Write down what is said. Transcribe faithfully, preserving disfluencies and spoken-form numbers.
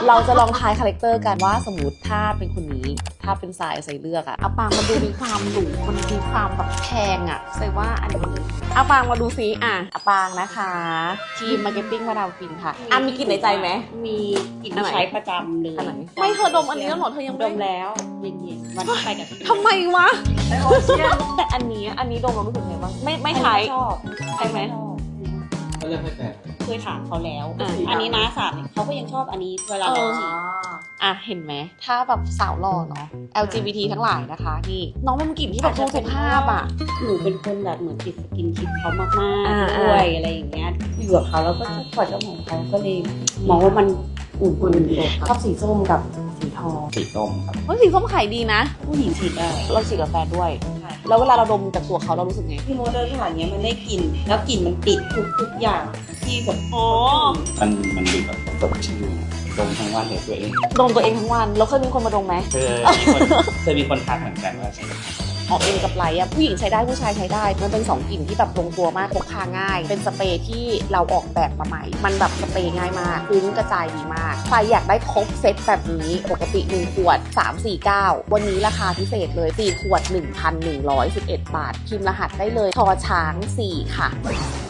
เราจะลองทายคาแรคเตอร์กันว่าสมมติถ้าเป็นคนนี้ถ้าเป็นสายใส่เลือกอะอาปางมันดูมีความหรูมันมีความแบบแพงอะใส่ว่าอันนี้อาปางมาดูซิอ่ะอาปางนะคะทีมมาร์เก็ตติ้งมาดามฟินค่ะอ่ะมีกลิ่นในใจไหมมีกลิ่นที่ใช้ประจำเลยไม่เธอดมอันนี้แล้วหรอเธอยังดมแล้วเย็นๆวันที่ไปกับพี่ทำไมวะแต่อันนี้อันนี้ดมเรารู้สึกไงบ้างไม่ไม่ใช้ชอบใช่ไหมเขาเลือกให้แฟนเคยถามเขาแล้วอันนี้นะสามเขาก็ยังชอบอันนี้เวลาเราฉีดอ่ะเห็นไหมถ้าแบบสาวหล่อเนาะ แอล จี บี ที ทั้งหลายนะคะนี่น้องเป็นกลิ่นที่แบบดูสุภาพอ่ะหนูเป็นคนแบบเหมือนติดสกินชิปเขามากๆด้วยอะไรอย่างเงี้ยอยู่กับเขาแล้วก็ชอบกอดเจ้าของเขาก็เลยมองว่ามันอุ่นๆชอบสีส้มกับสีทองสีส้มครับเฮ้ยสีส้มขายดีนะผู้หญิงฉีดได้เราฉีดกับแฟนด้วยแล้วเวลาเราดมจากตัวเขาเรารู้สึกไงพี่โมเดินผ่านเนี้ยมันได้กลิ่นแล้วกลิ่นมันติดทุกทุกอย่างที่แบบอ๋อมันมันดูแบบสดชื่นดมทั้งวันเลยตัวเองดมตัวเองทั้งวันแล้วเคยมีคนมาดมไหมเคยเคยมีคนทักเหมือนกันว่าใช่ออกเอ็นกับไลท์อะผู้หญิงใช้ได้ผู้ชายใช้ได้มันเป็นสองกลิ่นที่แบบลงตัวมากพกพาง่ายเป็นสเปรย์ที่เราออกแบบมาใหม่มันแบบสเปรย์ง่ายมากพื้นกระจายดีมากใครอยากได้ครบเซตแบบนี้ปกติหนึ่งขวดสามร้อยสี่สิบเก้าวันนี้ราคาพิเศษเลยสี่ขวด หนึ่งพันหนึ่งร้อยสิบเอ็ด บาทพิมพ์รหัสได้เลยทอช้างสี่ค่ะ